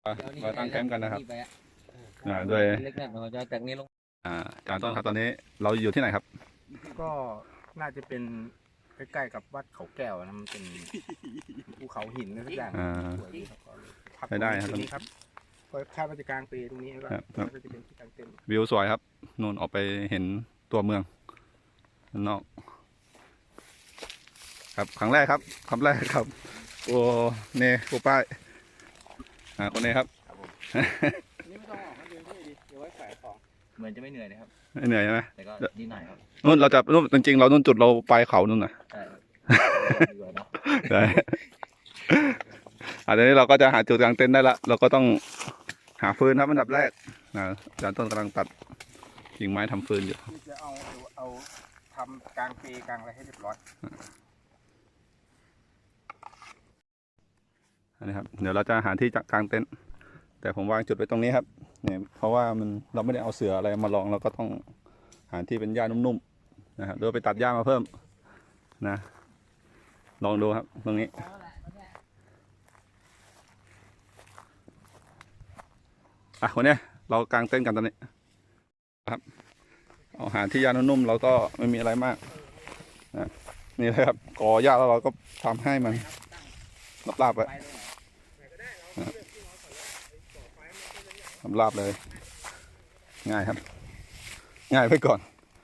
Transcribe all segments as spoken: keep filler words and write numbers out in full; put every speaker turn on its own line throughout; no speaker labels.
มาตั้งแคมป์กันนะครับโดยอ่าอาจารย์ต้นครับตอนนี้เราอยู่ที่ไหนครับ
ก็น่าจะเป็นใกล้ๆกับวัดเขาแก้วนะมันเป็นภูเขาหินอะไรสักอย่างสวยพักตรงนี้ครับก็คาดว่าจะกลางปีตรงนี้ก็จะเป็นที่กลางเต็นท์
วิวสวยครับนู่นออกไปเห็นตัวเมืองนอกครับครั้งแรกครับครั้งแรกครับโอ้เน่กูป้ายอ่าคนนี้ครับ
นี่ไม่ต้องออกมาเดินที่ดีเดี๋ยวไว้ขายของเหมือนจะไม่เหนื่อยนะครับ
ไม่เหนื่อยใช่ไหม
แต่ก็นิดหน่อยครับ
นู่นเราจะนู่นจริงๆเรานู่นจุดเราไปเขานู่นน่ะ
ใช่
ใช่อันนี้เราก็จะหาจุดกลางเต็นท์ได้ละเราก็ต้องหาฟืนครับอันดับแรกนะอาจารย์ต้นกำลังตัดกิ่งไม้ทำฟืนอยู่
จะเอาเอาทำกลางปีกลางอะไรให้เรียบร้อย
อันนี้ครับเดี๋ยวเราจะหาที่จักกลางเต็นท์แต่ผมวางจุดไว้ตรงนี้ครับเนี่ยเพราะว่ามันเราไม่ได้เอาเสืออะไรมาลองเราก็ต้องหาที่เป็นหญ้านุ่มๆนะครับหรือไปตัดหญ้ามาเพิ่มนะลองดูครับตรงนี้อ่ะคนนี้เรากางเต็นท์กันตอนนี้ครับเอาหาที่หญ้านุ่มๆเราก็ไม่มีอะไรมากนะนี่เลยครับก่อหญ้าแล้วเราก็ทำให้มันลาบๆไปทำลาบเลยง่ายครับง่ายไปก่อน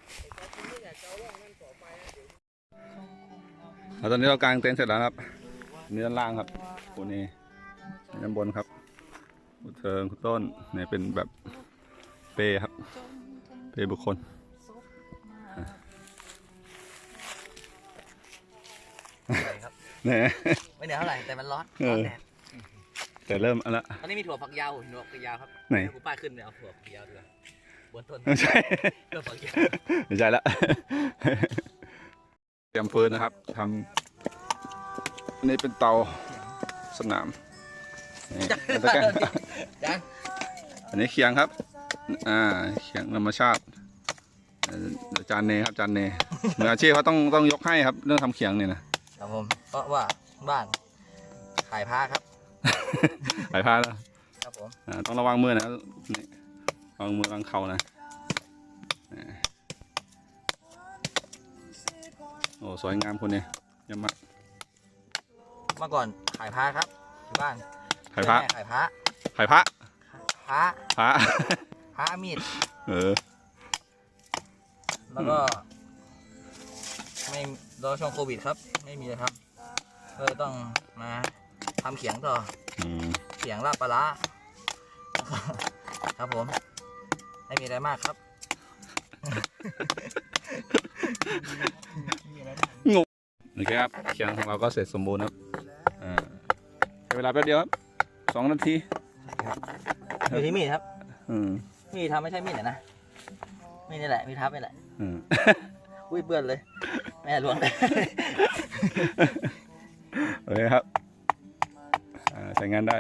แล้วตอนนี้เรากางเต็นท์เสร็จแล้วครับนี่ด้านล่างครับคนนี้ด้านบนครับคุณเทิงคุณต้นเนี่ยเป็นแบบเปครับเปบุคคลเนี่ย
ไม่เหนื่อยเท่าไหร่แต่มันร้อน
แต่เริ่มอะไร
ตอนนี้มีถั่วฝักยาวถั่วฝักยาวครับ
ไหน
กูป้ายขึ้นเลยเอาถั่วฝักยาวด้วยบนต้น
ไม่ใช่
ถั่วฝักยาว
ไม่ใช่ละเตรียมฟืนนะครับทำอันนี้เป็นเตาสนามอันนี้เคียงครับอ่าเคียงธรรมชาติจานเนครับจานเนมืออาชีพเขาต้องต้องยกให้ครับเรื่องทำเคียงเนี่ย
นะครับผมเพราะว่าบ้านขายผ้าครับ
ขายผ้าแล้ว
ครับผม
ต้องระวังมือนะนี่ระวังมือระวังเข่านะโอ้สวยงามคนนี้ยำมาก
เมื่อก่อนขายผ้าครับที่บ้าน
ขายผ้า
ขายผ้า
ขายผ้า
ผ้า
ผ้า
ผ้ามีด
เออ
แล้วก็ไม่รอช่วงโควิดครับไม่มีเลยครับก็ต้องมาทำเขียงต่อเขียงลาบปลาครับผมไม่มีอะไรมากครับ
งงโอเคครับเขียงของเราก็เสร็จสมบูรณ์ครับอ่าใช้เวลาแป๊บเดียวครับสองนาที
อยู่ที่มีดครับมีดทำไม่ใช่มีดนะมีดนี่แหละมีทับนี่แหละอุ้ยเบื่อเลยแม่ล้วง
โอเคครับใช้งานได้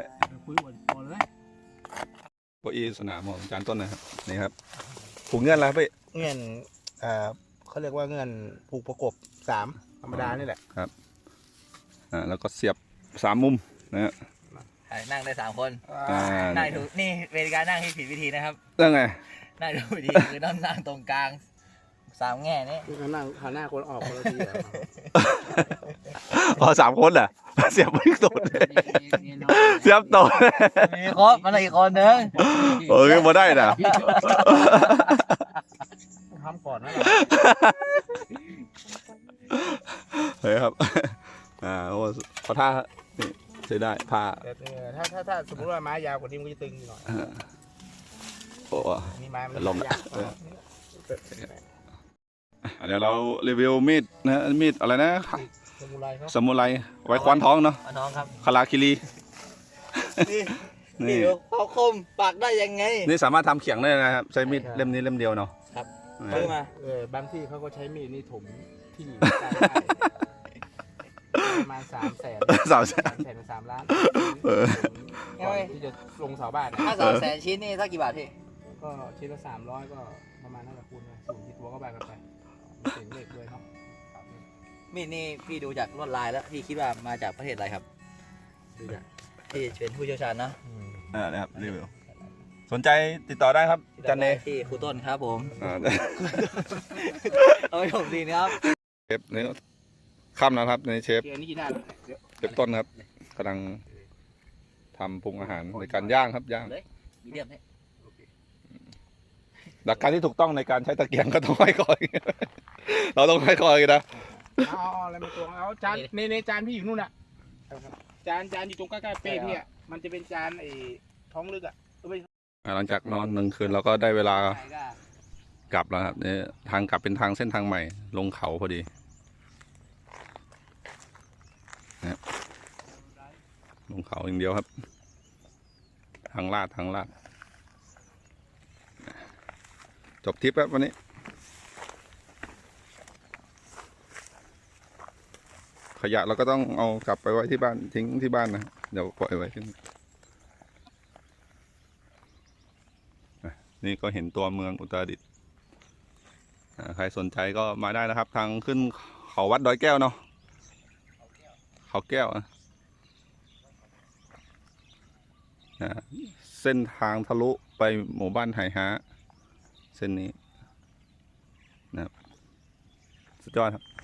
โก้อีสนามของอาจารย์ต้นนะครับนี่ครับผูกเงื่อนแล้วพี่
เงื่อนเขาเรียกว่าเงื่อนผูกประกบสามธรรมดานี่แหละ
ครับอ่าแล้วก็เสียบสามมุมนะฮะ
นั่งได้สามคนนั่งถูกนี่เป็นการนั่งที่ผิดวิธีนะครับ
เรื่องไง
นั่งถูกวิธีคือต้องนั่งตรงกลางสามแง่นี่
คือนั่งหันหน้าคนออกคนละที
พอสามคนเหรอเสียบไม่ตกเสียบตก
มีครบมันอีกคนนึง
เออมาได้นะ
ทำก่อนนะ
เฮ้ยครับอ่าโอ้พอท่านี่ใช้ได้ผ้า
ถ้าถ้าถ้าสมมติว่าไม้ยาวกว่านี้มันจะตึงหน่อย
โอ้
นี่ไม้มัน
ลมเดี๋ยวเรารีวิวมีดนะมีดอะไรนะ
สมุไร
สมุไรไว้คว้านท้องเนาะ
ท้องครับ
คาราคิรี
นี่เขาคมปากได้ยังไง
นี่สามารถทำเขียงได้นะครับใช้มีดเล่มนี้เล่มเดียวเนาะ
ครับซื้อมา
เออบางที่เขาก็ใช้มีดนี่ถมที่ประมาณสามแสน
สามแสน
แสนสามล้านที่จะลงเสาบ้าน
ถ้าสามแสนชิ้นนี่สักกี่บาทพี่
ก็ชิ้นละสามร้อยก็ประมาณนั่นแหละคุณสูงที่ตัวก็บานกันไปเสียงเล็กด้วยเนาะ
มีดนี่พี่ดูจากลวดลายแล้วพี่คิดว่ามาจากประเทศอะไรครับดูจากพี่เป็นผู้เชี่ยวชาญนะ
อ่านะครับรีวิวสนใจติดต่อได้ครับจันเน
ที่ครูต้นครับผม
อ่า
เอาไปผมดีนะครับ
เชฟนี่ค่ำแล้วครับในเชฟ
เดี๋ยวนี้กินได้แล้วเดี๋ยว
เชฟต้นครับกำลังทำปรุงอาหารในการย่างครับย่าง
เลยมีเดียมให้
หลักการที่ถูกต้องในการใช้ตะเกียงก็ต้องให้คอย เราต้องให้คอยกันนะ
เอาเอาอะไรมาตวงเอาจานในในจานพี่อยู่นู่นน่ะจานจานอยู่ตรงใกล้ๆเป้พี่อ่ะมันจะเป็นจานไอ้ท้องลึกอ่ะเออไม่
อ่าหลังจากนอนหนึ่งคืนเราก็ได้เวลา
ใช่ก็
กลับแล้วครับเนี่ยทางกลับเป็นทางเส้นทางใหม่ลงเขาพอดีนะลงเขาอย่างเดียวครับ ทางลาดทางลาดจบทริปครับวันนี้ ขยะเราก็ต้องเอากลับไปไว้ที่บ้านทิ้งที่บ้านนะเดี๋ยวปล่อยไว้ที่นี่อ่ะนี่ก็เห็นตัวเมืองอุตรดิตถ์อ่าใครสนใจก็มาได้นะครับ ทางขึ้นเขาวัดดอยแก้วเนาะเขาแก้วอ่ะอ่าเส้นทางทะลุไปหมู่บ้านไหฮะเส้นนี้นะครับสุดยอดครับ